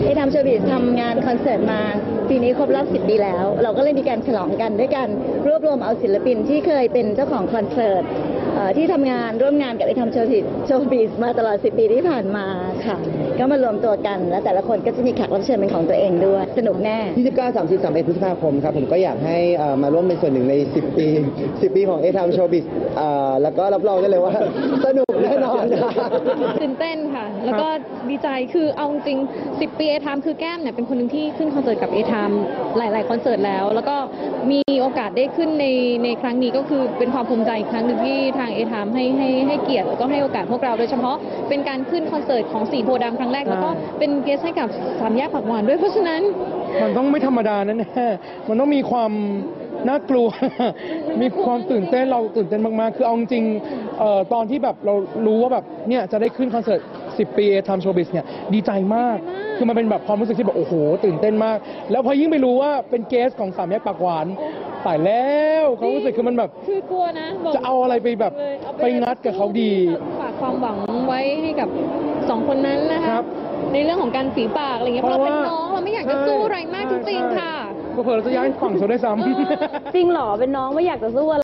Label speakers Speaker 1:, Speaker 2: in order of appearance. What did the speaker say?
Speaker 1: ที่ทำโชว์บิสทำงานคอนเสิร์ตมาปีนี้ครบรอบ10 ปีแล้วเราก็เลยมีการฉลองกันด้วยการรวบรวมเอาศิลปินที่เคยเป็นเจ้าของคอนเสิร์ตที่ทำงานร่วมงานกับไอ้ทำโชว์บิสมาตลอด10 ปีที่ผ่านมาค่ะก็มารวมตัวกันแล้วแต่ละคนก็จะมีแขกรับเชิญเป็นของตัวเองด้วยสนุกแน่
Speaker 2: 29 30 31พฤษภาคมครับผมก็อยากให้มาร่วมเป็นส่วนหนึ่งใน10 ปีของทำโชว์บิสแล้วก็รับรองได้เลยว่าสนุกแน่นอน
Speaker 3: ตื่นเต้นค่ะแล้วก็ดีใจคือเอาจริง10 ปีเอทามคือแก้มเนี่ยเป็นคนหนึ่งที่ขึ้นคอนเสิร์ตกับเอทามหลายๆคอนเสิร์ตแล้วก็มีโอกาสได้ขึ้นในครั้งนี้ก็คือเป็นความภูมิใจอีกครั้งหนึ่งที่ทางเอทามให้เกียรติแล้วก็ให้โอกาสพวกเราโดยเฉพาะเป็นการขึ้นคอนเสิร์ตของสีโพธิ์ดำครั้งแรกแล้วก็เป็นเกสให้กับสามแยกผักหวานด้วยเพราะฉะนั้น
Speaker 4: มันต้องไม่ธรรมดาแน่มันต้องมีความน่ากลัว มีความตื่นเต้นเราตื่นเต้นมากๆคือเอาจริงตอนที่แบบเรารู้ว่าแบบเนี่ยจะได้ขึ้นคอนเสิร์ต10 ปีทำโชว์บิสเนี่ยดีใจมากคือมันเป็นแบบความรู้สึกที่แบบโอ้โหตื่นเต้นมากแล้วพอยิ่งไปรู้ว่าเป็นเกสของสามแยกปากหวานตายแล้วความรู้สึกคือมันแบบ
Speaker 3: คือกลัวนะ
Speaker 4: จะเอาอะไรไปแบบไปงัดกับเขาดี
Speaker 3: ฝากความหวังไว้ให้กับ2 คนนั้นนะคะในเรื่องของการฝีปากอะไรเงี้ยเพราะเราเป็นน้องเราไม่อยากจะสู้อะไรมากจริงๆค่ะ
Speaker 4: เผื่อเราจะย้ายฝั่งโซได้ซ้ำ
Speaker 5: จริงเหรอเป็นน้องไม่อยากจะสู้อะไร